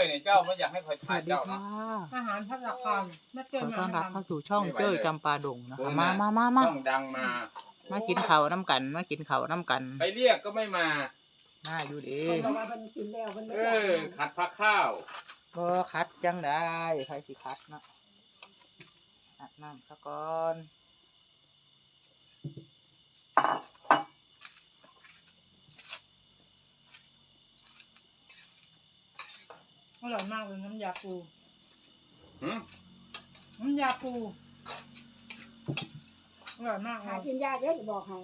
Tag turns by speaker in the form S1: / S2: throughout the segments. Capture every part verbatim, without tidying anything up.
S1: เนี่ยเจ้าไม่อยากให้คอย
S2: ส
S1: ทา
S2: วัน สดี
S1: เจ้า
S2: ค่ะ
S3: อาหารพัฒนาคารแม่เจ้
S2: ขอ
S3: มา
S2: ต้อนรับ
S3: ทำ
S2: เข้าสู่ช่องเจ้ยจำปาดงนะคะมามามามา
S1: ต้องดังมา
S2: มากินข้าวน้ำกันมากินข้าวน้ำกัน
S1: ไปเรียกก็ไม่มา
S2: น่าอยู่ดี
S4: เพิ่นบอกว่าเพิ่นกินแล้วเพิ่น
S1: เอ
S4: ไม่ได้
S1: อขัดพักข้าว
S2: ก็คัดจังได้ใครสิคัดเนาะอาบน้ำซะก่อน
S3: อร่อยมากเลยน้ำยาปู
S1: หืม
S3: น้ำยาปูอร่อยมากเล
S4: หาย กินยากเด้อจะบอกให้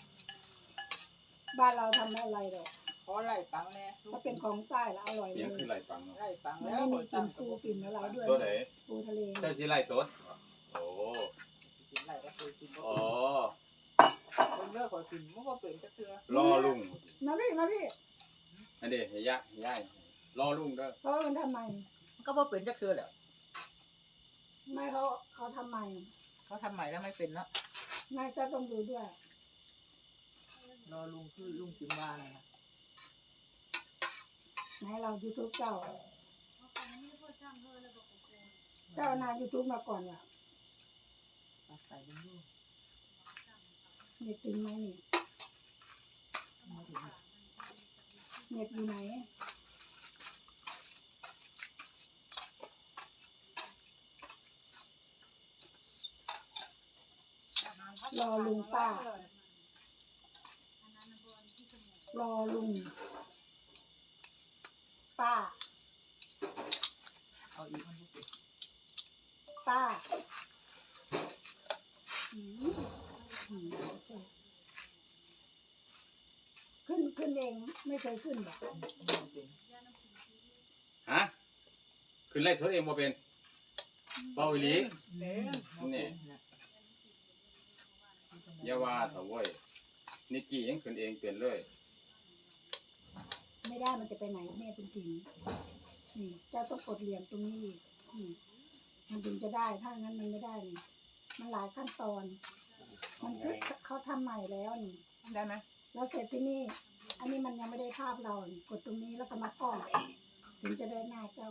S4: บ้านเราทำอะไรหรอก
S2: ขอไล่ตังแน่
S4: ถ้าเป็นของใต้แล้วอร่อยเล
S1: เสียง
S4: ย
S1: คือไรฟังเนาะ
S2: ไล่ตัง
S4: มัน
S2: แล้ว
S4: ไม่มีกลิ่นปูกลิ่นอะไรด้วย
S1: ตัวไหน
S4: ปูทะเล
S1: เจ้าชีไรสดโอ้
S2: กินไล่ก็คือกิน
S1: โอ้
S2: คนเลิกขอกินมันก็เป็นจะเตือ
S1: รอลุง
S4: นะพี่นะพี่
S1: อันเดียเฮียเฮียรอลุงเด้อ
S4: เพราะว่ามันทำไม
S2: มันก็บ่เป็นจะเตือแหละ
S4: ไม่เขาเขาทำไม
S2: เขาทำใหม่แล้วไม่เป็นเนาะ
S4: ไม่จะต้องดูด้วย
S2: รอลุงคือลุงจิมบ้านนะ
S4: ไหนเรายูทูบเจ้าเจ้านายูทูบมาก่อนว่ะ
S2: ตัดใส่ลงดู
S4: เน็ตถึงไหมนี่เน็ตอยู่ไหนรอลุงป้ารอลุงป้า
S2: เอาอีกมันก็เป็น
S4: ป้าอืมอืมขึ้นขึ้นเองไม่เคยขึ้นแบบ
S1: ฮะขึ้นไล่สดเองบ่เป็นเบาอีหลี นี่ อย่าว่าเถอะเว้ยนิกกี้ยังขึ้นเองเป็นเลย
S4: ไม่ได้มันจะไปไหนแม่เป็นจริงนี่เจ้าต้องกดเหลี่ยมตรงนี้อีกนี่มันถึงจะได้ถ้างั้นมันไม่ได้นี่มันหลายขั้นตอน มันคือเขาทำใหม่แล้วนี่
S3: ได้ไหม
S4: แล้วเสร็จที่นี่ อันนี้มันยังไม่ได้ภาพเรานี่กดตรงนี้แล้วก็มากล้องถึงจะได้หน้าเจ้า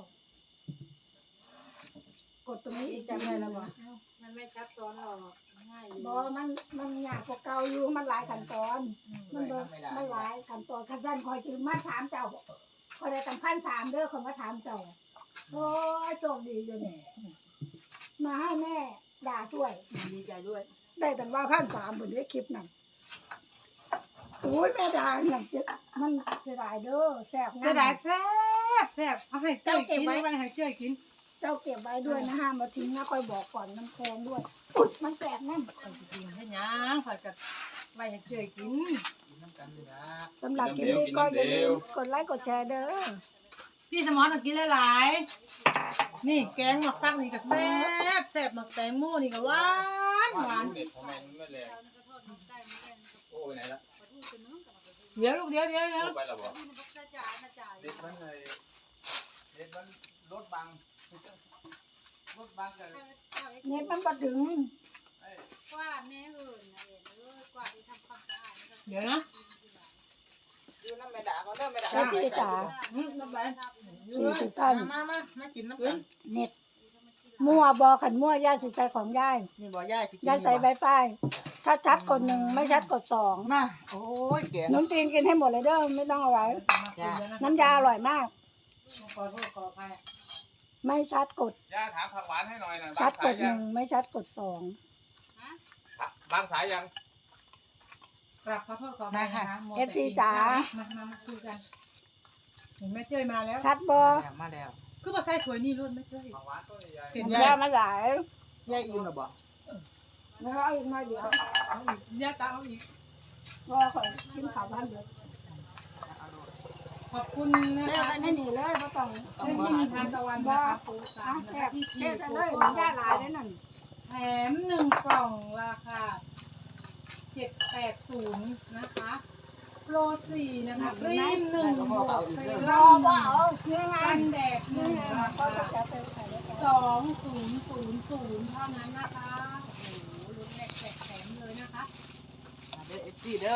S4: กดตรงนี้อีกจำได้แล้วบ่
S3: มันไม่ซับซ้อนหรอกง่าย
S4: บอมันมันยากกว่าเก่าอยู่มันหลายขั้นตอน มันเบิดมันหลายขั้นตอนขั้นสั้นคอยจึงมาถามเจ้าคอยได้ตั้งพันสามเด้อคนมาถามเจ้าโอ้ยโชคดีอยู่เนี่ยมาให้แม่ด่าช่วย
S2: ดีใจด้วย
S4: ได้แต่ว่าพันสามบนได้คลิปนั่นโอ้ยแม่ด่าหนังเจ็บมันเสียดายเด้อแสบ
S3: เสียดายแซ่บแซ่บเอาให้เจ้ากินเอาไปให้เจ้ากิน
S4: เจ้าเก็บไว้ด้วยนะห้ามมาทิ้งนะคอยบอกก่อนมันแพงด้วยอุ๊ยมันแสบนั่น
S3: คอยกินให้ยังคอยกับไว้ให้เจ้ากิน
S2: กินน้ำกันเลยนะ
S4: สำหรับคลิปนี้ก็อย่าลืมกดไลค์กดแชร์เด้อ
S3: พี่สมอนต้องกินหลายๆนี่แกงหมักฟักนี่ก็แซ่บแซ่บหมักแตงโมนี่ก็หวานหวาน
S1: เด็ดทำไมมันไม่แรงโอ้ไปไหนละ
S3: เดี๋ยวลูกเดี๋ยวเดี๋ยวเดี๋ยว
S1: โอ้ไปแล้วบ่เด็ดมันเลยเด็ดมันรถบังรถบังกัน
S4: เน็ตมันบ่ถึง
S5: กวาดแน่เหินนะเห็นเลยกวาดที่ทำความสะอาดนะครับ
S3: เดี๋ยวนะ
S2: อยู่น้ำไม่ด่าเขาเริ่มไม่ด่า
S4: แล้วพี่จ๋า
S3: อืมน้ำไป
S4: สี่สิบท่าน
S2: มามามากินน้ำกัน
S4: เน็ตมั่วบอขันมั่วย่าสิใส่ของย่าย
S2: นี่บ่ย่าสิกิน
S4: ย่าใส่ใบฝ้ายถ้าชัดกดหนึ่งไม่ชัดกดสอง
S2: มาโอ้ยแกง
S4: น้ำตีนกินให้หมดเลยเด้อไม่ต้องเอาไว้
S2: จ้า
S4: น้ำยาอร่อยมาก
S3: ขอโทษขออภัย
S4: ไม่ชัดกด
S1: ย่าถามผักหวานให้หน่อยนะ
S4: ชั
S1: บา
S4: ด
S1: ง
S4: ก
S1: สาย
S4: ดห
S1: ยั
S4: นึ่
S1: ง
S4: งไม่ชัดกดสอง
S1: บางสายยัง
S3: กราบขอโทษขออภัยนะคะมัว
S4: เอ
S3: แต่
S4: ฟซีจ๋า
S3: มามามาคุยกันเห็นแม่เจ้ยมาแล้ว
S4: ชัดบอ
S2: มาแล้ว
S3: คือมาใส่สวยนี่รุ่นแม่เจ้ย
S1: ผักหวานต้นใหญ่
S3: เสร็จ
S4: มัน
S3: แล้
S4: ย่าว มาหลาย
S2: ย่าอิ่มหรือบ่
S4: แล้วเอาอีกหน่อยเดียว
S3: เอาอีกย่าตาเอาอีก
S4: รอขอยกินข้าวบ้านเดียว
S3: ขอบคุณนะ
S4: เลิก
S3: คะ
S4: กันให้หนีเลยเพราะต้อง
S3: ไม่มีทานตะวันนะคะปูสา
S4: อ่ะ
S3: มนะ
S4: แซ่
S3: คะ
S4: บ
S3: ที่
S4: เลิ
S3: ที่
S4: กกัน
S3: ปู
S4: เลย
S3: โ
S4: มันย่าหลายเลยนั่น
S3: แถมหนึ่งกล่องราคาเจ็ดแปดศูนย์นะคะโปรสี่นะคะครีมหนึ่งบวกเซ
S4: ร
S3: รั่
S4: อ
S3: มห
S4: ว่า
S3: นึ่ง
S4: เอานี่ไง
S3: กันแดดห
S4: นี่
S3: นึ่ง
S4: ไง
S3: รา
S4: ก็
S3: คา
S4: จะไปใส่แล้วกัน
S3: สองศูนย์ศูนย์ศูนย์เท่านั้นนะคะโอ้โหลุ้นแหลกแจกแถมเลยนะคะ
S2: เด้อเอฟซีเด้อ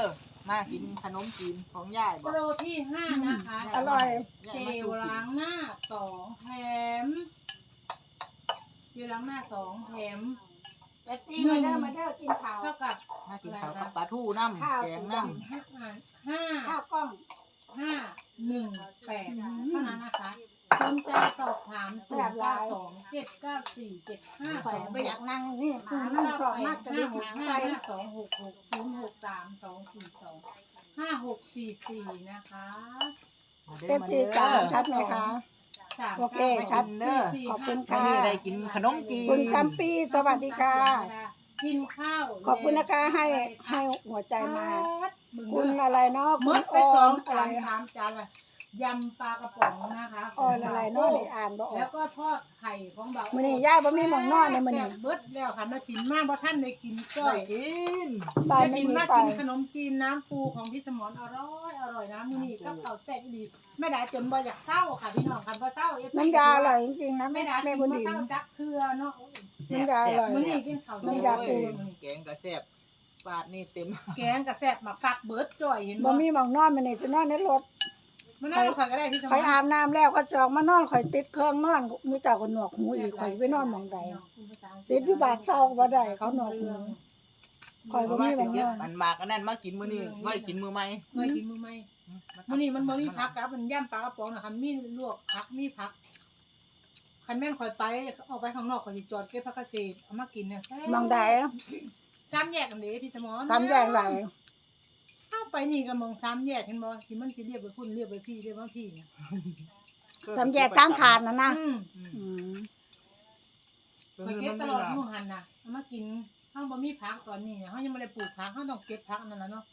S2: มากินขนมจีนของยายบ
S3: โป
S2: อก
S3: รที่ห้านะคะ
S4: อร่อย
S3: เจลล้างหน้าสองแถมเจลล้างหน้าสองแถม
S4: เอฟซีมาเด้อมาเด้อกินข้าว
S3: เท่ากับ
S2: มากินข้าวกับปลาทูน้ำแกงน้ำ
S3: ห้าห้า
S4: ข้าวกล้อง
S3: ห้าหนึ่งแปดเท่านั้นนะคะสนใจสอบถามศูนย์เก้าสองเจ็ดเก้าสี่เจ็ดห้า
S4: ข่
S3: ส
S4: อย
S3: อง
S4: ไปอยากนั่งนี่
S3: ศู
S4: หาน
S3: ย์
S4: นั่ง
S3: เก้าก
S4: รอบ
S3: แป
S4: มาก
S3: ด
S4: จะได้
S3: ห้าห
S4: หาก
S3: ห้า
S4: ใส่
S3: ห้าสองหกหกศูนย์หกสามสองสี่สองห้าหกสี่สี่นะคะ
S4: เอฟซีจ๋าชัดไหมคะ
S3: สาม
S4: โอเคชัด
S3: เก้าสี่
S4: ขอบคุณ
S2: วัน
S4: ค่ะ
S2: นี้ได้กินขนมจีน
S4: คุณกัมปีสวัสดีค่ะ
S3: กินข้าว
S4: ขอบคุณนะคะให้ให้หัวใจมา คุณอะไรเนาะ
S3: ม
S4: คุณ
S3: ดไป
S4: อ
S3: ส
S4: อ
S3: อง
S4: มอะไร
S3: จานสามจานละยำปลากระป๋องนะคะ
S4: ออนอะไรเนาะนี่อ่านบ่ออ
S3: แล้ว
S4: ก
S3: ก็ทอดไข่ของเบา
S4: มื้อนี้ย่าบ่มีหม่องนอนเลยมื้อนี้
S3: แซ่บเบิดแล้วค่ะมากินมากเพราะท่านได้กินจ้อ
S2: ได้
S3: ย
S2: กิน
S4: บ้าน
S3: ได้
S4: ไม่
S3: กิน
S4: มี
S3: มา
S4: ไฟ
S3: กินขนมจีนน้ำปูของพี่สมรอร่อยอร่อยนะมื้อนี้ก็ข้าวแซ่บดีไม่ได้จนบ่อยากเศร้าค่ะพี่น้องค่ะบ่เศร้าเอฟ
S4: น้ำยาอร่อยจริงๆนะ
S3: ไม่
S4: แม่
S3: ได้
S4: แม่
S3: กิน
S4: บุญ
S3: บ่
S4: ดี
S3: เศร้าจักเทื่อเนาะ
S2: แซ่บ
S4: น้ำยาอร่อย
S3: มื้อ
S2: แซ่
S3: นี้
S2: บ
S3: กินข้าว
S4: น้ำยาปู
S2: แกงก็แซ่บปาดนี่เต็ม
S3: แกงกับแซ่บมาฝักเบิดจ่อยเห็น
S4: บ่
S3: บ่
S4: มีหม่องนอนมื้อนี้จะนอนในรถ
S3: มันน่าข่อยก็ได้พี่สม
S4: ข่อย
S3: ร
S4: อาบน้ำแล้วก็จะออกมานอนข่อยติดเครื่องนอนมีแต่คนหนวกหูอีกข่อยไปนอนหม่องใดติดอยู่บาดเศร้าก็บ่ได้เขาหนวกหูข่อย
S2: เพ
S4: บ่
S2: ราะว่า
S4: มีห
S2: สิ
S4: ม่องน
S2: เก็บ
S4: อน
S2: อันมากอันนั้นมากินมื้อนี้ไว้กินมื้อใหม่
S3: เคยกินมื้อไหมมื้อนี้มันบ่มีผักกับมันย่ำปลากระป๋องนะคะมีลวกผักมีผักคันแม่นข่อยไปออกไปข้างนอกข่อยสิจอดเก็บผักเกษตรเอามากินเนี่ยแซ่บ
S4: หม่องใด
S3: สามแยกกันเด้พี่สมร
S4: ทำอย่างไร
S3: เข้าไปนี่ก็มองสามแยกเห็นบ่ที่มันสิเรียกไปพุ่นเรียกไปพี่เรียกว่าพี่เนี่ย
S4: ทำแยกตั้งขาดนะนะ
S3: อืม
S4: อืม
S3: ข่อยเก็บตลอดมื้อหันน่ะเอามากินเฮาบ่มีผักตอนนี้เฮายังบ่ได้ปลูกผักเฮาต้องเก็บผักนั่นล่ะเนาะ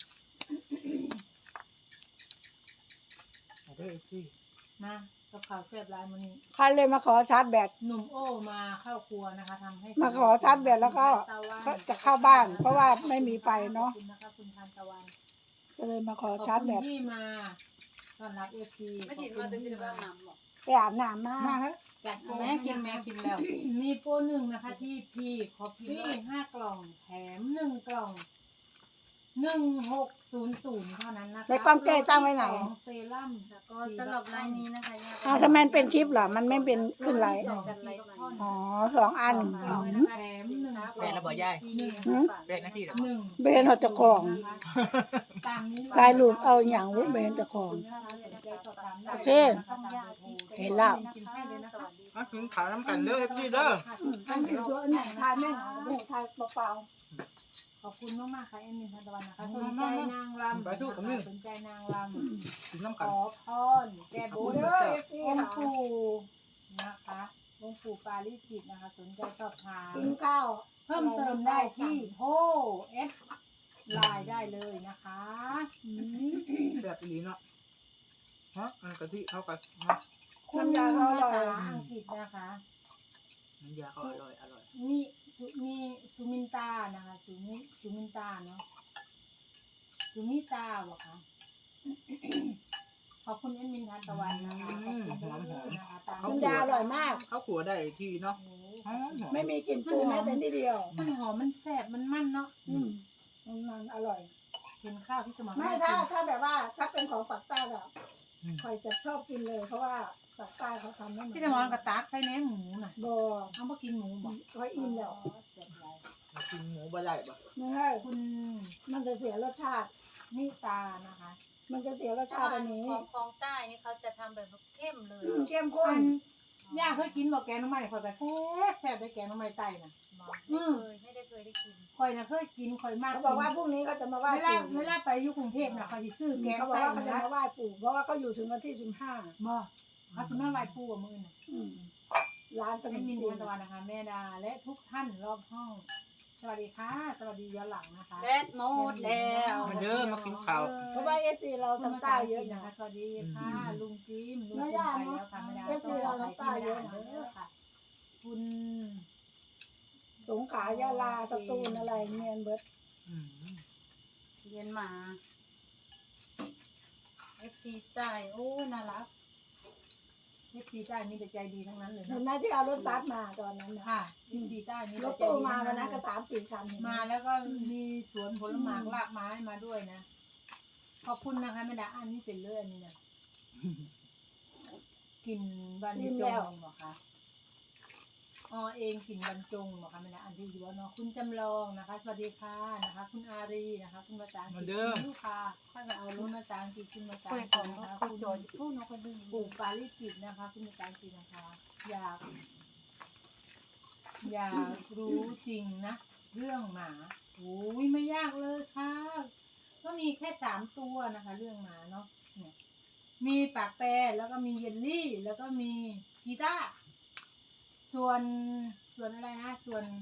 S2: เอาเด้อสิ
S3: มากับข้าวแซ่บหลายมื้อนี้
S4: ใครเลยมาขอชาร์จแบต
S3: หนุ่มโอ้มาเข้าครัวนะคะทำให้
S4: มาขอชาร์จแบตแล้วก็จะเข้าบ้าน เพราะว่าไม่มีไฟเนาะ
S3: ขอบคุณนะคะคุณทานตะวัน
S4: ก็เลยมาขอ
S3: ขอบ
S4: ชาร์จ
S3: คุ
S4: แบ
S3: ณ
S4: ต
S3: ที่มาต้อนรับเอฟซี
S5: ไม่ถินว่าจะกินแบบน้ำหรอก
S4: ไปอาบน้ำมา
S2: มาเถอะ
S3: จัดโปรแม่กินแม่กินแล้ว มีโปรหนึ่งนะคะที่พีคอฟฟี่ห้ากล่องแถมหนึ่งกล่องหนึ่งหกศูนย์ศูนย์เท่านั้นนะคะ
S4: ในกล้องแก้ตั้งไว้ไหน
S3: สองเซรั่ม
S5: แล้วก็สำหรับรายนี้นะคะย่า
S4: อ้าวทำไมมันเป็นคลิปเหรอ มันไม่เป็นขึ้นไลฟ์
S5: จัดไลฟ์ใหม่
S4: อ๋อสองอัน
S3: กล่อง
S4: อืม
S3: แถมหนึ่งก
S2: แม่
S3: ล่อง
S2: ระบ่ยาย
S3: หนึ่ง
S4: หืม
S2: แบกหน้าที่แล้ว
S3: หนึ่ง
S4: เบนเอาเจะของ
S3: ตามนี้
S4: ตายหลุดเอาอย่างวุ้เบนเจะของ โอเคเห็นแล้ว
S3: กินให้เลยนะคะ
S2: มากินข้าวน้ำกันเด้อพี่เด้อ
S4: อืมอันนี้ตัวอันไหนทายแม่หนาเด้อทายเปล่า
S3: ขอบคุณมากมากๆค่ะเอ็มมินทันตะวันนะคะสนใจนางรำสนใจนางรำ
S2: กินน้ำ
S3: ข
S2: กัน
S3: อพรแก้บ
S4: ๆ
S3: น
S4: เด้อเอฟซี
S3: องค์
S4: ค่ะ
S3: ปู่นะคะองค์ปู่ปาริจิตนะคะ สนใจสอบถาม
S4: กินข้าว
S3: เพิ่มเติมได้ที่โทรเอสไลน์ได้เลยนะคะ
S4: อืม
S2: แบบอีหลีเนาะฮะอันกะทิเข้ากันเนาะ
S3: คุณภาษาอังกฤษนะคะ
S2: น้ำยาก็อร่อยอร่อย
S3: มีสุมีสุมินตานะคะสุมิสุมินตาเนาะสุมิตาบอกค่ะ ขอบคุณเอ็มมินทันตะวันนะคะขอบคุณนะคะตาม
S4: น้ำยาอร่อยมาก
S2: ข้าวขัวได้ที่เนาะ
S3: โอ้โห
S2: หอมหอม
S4: ไม่มีกลิ่นปูแม้แต่นิดเดียว
S3: มันหอมมันแซ่บมันมันเนาะ
S4: อืมมันอร่อย
S3: เห็นข้าวที่สมอง
S4: ไม่
S3: ให้
S4: ถ้า
S3: กิน
S4: ถ้าแบบว่าถ้าเป็นของปักใต้แบบคอยจะชอบกินเลย เพราะว่าปักใต้เขาทำไม่เหมือน
S3: พี่สมองกระตากใส่แหนมหมูน่ะ
S4: บ
S3: เอามากินหมูบอก
S4: เขาอิ่มแล้ว
S3: เจ็บไร
S2: มากินหมูบะไหล่บ่
S4: ไม่ให้
S3: คุณ
S4: มันจะเสียรสชาติ
S3: นิตานะคะ
S4: มันจะเสียรส
S5: ถ้า
S4: ชาติอันนี้
S5: ของของใต้นี่เขาจะทำแบบเข้มเลย
S4: อืมเข้มข้
S3: อั
S4: น
S3: นย่าเคยกินบอกแกงน้ำมันคอยแบบแซ่บแซ่บไปแกงน้ำมันไตน่ะ
S5: ไม่เคยไม่ได้เคยได้กิน
S3: คอยน่ะเคยกินคอยมาก
S4: เขาบอกว่าพรุ่งนี้เขาจะมาไหว้
S3: เวลา
S4: ปู่
S3: เวลาไปอยู่กรุงเทพน่ะคอยสิซื้อแกง
S4: เขาบอก
S3: ไต
S4: ว่าเขาจะ
S3: นะ
S4: มาไหว้ปู่เพราะว่าเขาอยู่ถึงวันที่สิบห้า
S3: บ่เขาสิมาไหว้ปู่กับมือน่ะ
S4: ร้านขน
S3: แม่
S4: ม
S3: มิน
S4: จี
S3: ทั
S4: น
S3: นตะวันนะคะแม่ดาและทุกท่านรอบห้อง สวัสดีค่ะ สวัสดีย้อนหลังนะคะ
S5: แบดโมดแล้ว
S2: มาเด้อมากินข้าว
S4: เพราะว่าเอฟซีเรา
S3: คุณ
S4: ทำ
S3: มา
S4: ใต้
S3: ตา
S4: เย
S3: เย
S4: อะ
S3: อะ
S4: นะ
S3: นะคะ สวัสดีค่ะ ลุงจิมลุง
S4: ไม่
S3: จิม
S4: ได้
S3: ไป
S4: นะ
S3: แล้วค่ะไม่ได้
S4: เอฟซี
S3: ต้องข
S4: เรา
S3: อไป
S4: ทำใต้
S3: ที่
S4: เย
S3: ไม่
S4: อะ
S3: ได้
S4: นะ
S3: เด้อค่ะ คุณ
S4: สงขลายาลาสตูลอะไรเมียนเบิร์ด
S2: อืม
S5: เรียนมาเอฟซีใต้โอ้น่ารัก
S3: เอฟซีใต้มีแต่ใจดีทั้งนั้นเลย
S4: เห็
S3: นะ
S4: นไหมที่เอารถบัสมาตอนนั้นนะ
S3: ค่ะเอฟซีใต้มี
S4: ร
S3: แต่
S4: ถ
S3: ใจ
S4: ตู้
S3: ดี
S4: มา
S3: ทั้ง
S4: วัน
S3: นั้
S4: นั้น น
S3: เล
S4: ก็
S3: ย
S4: สามสี่คันเห็นไห
S3: มาแล้วก็มีสวนผลไม้รากไม้มาด้วยนะขอบคุณนะคะไม่ได้อันนี้เป็นเลื่อนนี่นะกินบรรจงเหรอคะอ๋อเองกินบรรจงเหรอคะไม่ได้อันที่อยู่ว่าเนาะคุณจำลองนะคะสวัสดีค่ะนะคะ คุณอารีนะคะคุณมาจางคุณลูกค้าถ้าจะเอาลุ้นมาจางกินคุณมาจางกินนะคะคุณจอยผู้น้องคนนึงปลูกปาลิจิตนะคะคุณมาจางกินนะคะอยาก อยากรู้จริงนะเรื่องหมาโอ้ยไม่ยากเลยค่ะก็มีแค่สามตัวนะคะ เรื่องหมาเนาะเนี่ยมีปากแปรแล้วก็มีเยลลี่ แล้วก็มีกีตาร์ส่วนส่วนอะไรนะส่วน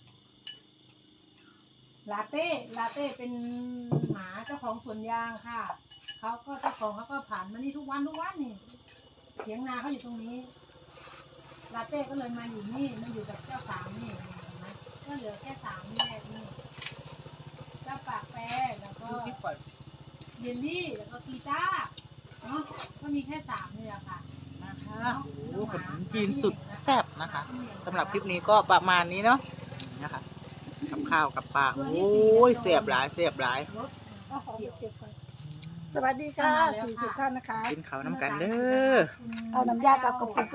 S3: ลาเต้ลาเต้เป็นหมาเจ้าของสวนยางค่ะเขาก็เจ้าของเขาก็ผ่านมานี่ทุกวันทุกวันนี่เถียงนาเขาอยู่ตรงนี้ลาเต้ก็เลยมาอยู่นี่มาอยู่กับเจ้าสามนี่เห็นไหมก็เหลือแค่สามนี่แหละนี่เจ้าปากแปรแล้วก็
S2: ดูคลิปก่อน
S3: เยลลี่แล้วก็กีตาร์เนาะก็มีแค่สามนี่แหละค่ะ
S2: นะคะโอ้โหขนมจีนสุดแซ่บนะคะสำหรับคลิปนี้ก็ประมาณนี้เนาะนะคะกับข้าวกับปลาโอ้ยเสียบหลายเสียบหลาย
S3: รถ
S4: เอาของไปเก็บก่อนสวัสดีค่ะสี่สิบท่านนะคะ
S2: กินข้าวน้ำกันเด้อ
S4: เอาน้ำยากับกระปุก